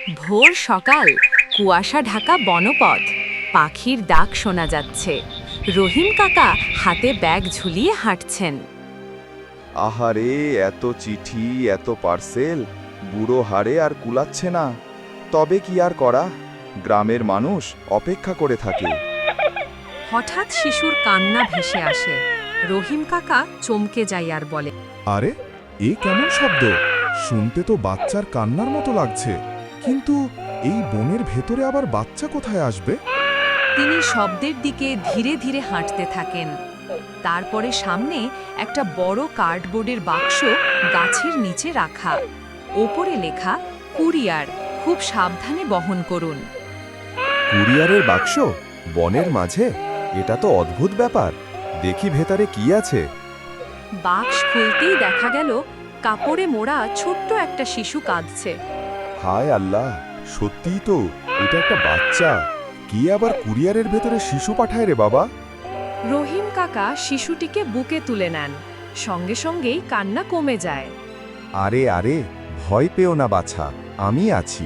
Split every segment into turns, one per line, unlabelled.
ভোর সকাল, কুয়াশা ঢাকা বনপথ, পাখির ডাক শোনা যাচ্ছে। রহিম কাকা হাতে ব্যাগ ঝুলিয়ে হাঁটছেন।
আহারে, এত চিঠি, এত পার্সেল, বুড়ো হাড়ে আর কুলাচ্ছে না। তবে কি আর করা, গ্রামের মানুষ অপেক্ষা করে থাকে।
হঠাৎ শিশুর কান্না ভেসে আসে। রহিম কাকা চমকে যায় আর বলে,
আরে, এ কেমন শব্দ? শুনতে তো বাচ্চার কান্নার মতো লাগছে, কিন্তু এই বনের ভেতরে আবার বাচ্চা কোথায় আসবে?
তিনি শব্দের দিকে ধীরে ধীরে হাঁটতে থাকেন। তারপরে সামনে একটা বড় কার্ডবোর্ডের বাক্স গাছের নিচে রাখা। ওপরে লেখা, কুরিয়ার, খুব সাবধানে বহন করুন।
কুরিয়ারের বাক্স বনের মাঝে? এটা তো অদ্ভুত ব্যাপার। দেখি ভেতরে কি আছে।
বাক্স খুলতেই দেখা গেল কাপড়ে মোড়া ছোট্ট একটা শিশু কাঁদছে।
হায় আল্লাহ, সত্যিই তো, এটা একটা বাচ্চা। কি আবার কুরিয়ারের ভেতরে শিশু পাঠায় রে বাবা?
রহিম কাকা শিশুটিকে বুকে তুলে নেন। সঙ্গে সঙ্গেই কান্না কমে যায়।
আরে আরে, ভয় পেও না বাছা, আমি আছি।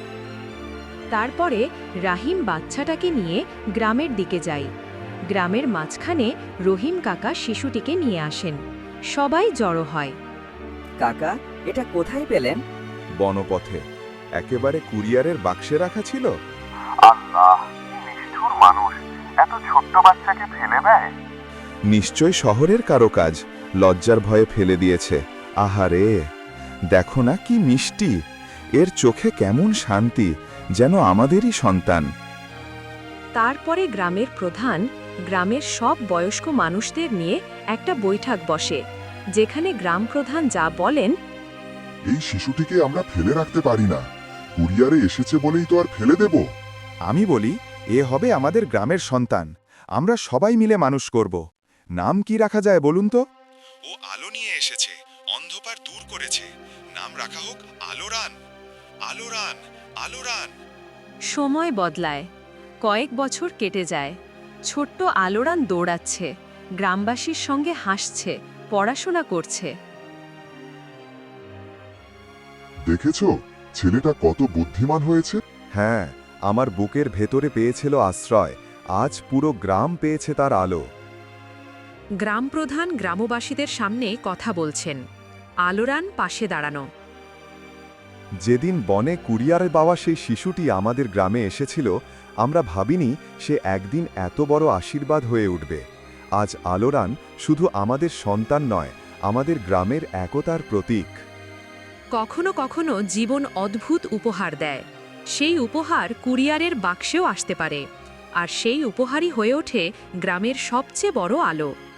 তারপরে রাহিম বাচ্চাটাকে নিয়ে গ্রামের দিকে যায়। গ্রামের মাঝখানে রহিম কাকা শিশুটিকে নিয়ে আসেন। সবাই জড়ো হয়।
কাকা, এটা কোথায় পেলেন?
বনপথে একেবারে কুরিয়ারের বাক্সে রাখা ছিল।
আল্লাহ, কি নিষ্ঠুর মানুষ এত ছোট্ট বাচ্চাকে ফেলে দেয়।
নিশ্চয় শহরের কারো কাজ, লজ্জার ভয়ে ফেলে দিয়েছে। আহারে, দেখো না কি মিষ্টি, এর চোখে কেমন শান্তি, যেন আমাদেরই সন্তান।
তারপরে গ্রামের প্রধান গ্রামের সব বয়স্ক মানুষদের নিয়ে একটা বৈঠক বসে, যেখানে গ্রাম প্রধান যা বলেন,
এই শিশুটিকে আমরা ফেলে রাখতে পারি না। কুরিয়ারে এসেছে বলেই তো আর ফেলে দেব?
আমি বলি, এ হবে আমাদের গ্রামের সন্তান। আমরা সবাই মিলে মানুষ করব। নাম কি রাখা যায় বলুন তো? ও আলো নিয়ে এসেছে, অন্ধকার দূর করেছে। নাম রাখা হোক আলোরান। আলোরান, আলোরান।
সময় বদলায়। কয়েক বছর কেটে যায়। ছোট্ট আলোরান দৌড়াচ্ছে, গ্রামবাসীর সঙ্গে হাসছে, পড়াশোনা করছে।
দেখেছো, ছেলেটা কত বুদ্ধিমান হয়েছে।
হ্যাঁ, আমার বুকের ভেতরে পেয়েছিল আশ্রয়, আজ পুরো গ্রাম পেয়েছে তার আলো।
গ্রাম প্রধান গ্রামবাসীদের সামনে কথা বলছেন, আলোরান পাশে দাঁড়ানো।
যেদিন বনে কুরিয়ারে পাওয়া সেই শিশুটি আমাদের গ্রামে এসেছিল, আমরা ভাবিনি সে একদিন এত বড় আশীর্বাদ হয়ে উঠবে। আজ আলোরান শুধু আমাদের সন্তান নয়, আমাদের গ্রামের একতার প্রতীক।
কখনো কখনো জীবন অদ্ভুত উপহার দেয়। সেই উপহার কুরিয়ারের বাক্সেও আসতে পারে, আর সেই উপহারই হয়ে ওঠে গ্রামের সবচেয়ে বড় আলো।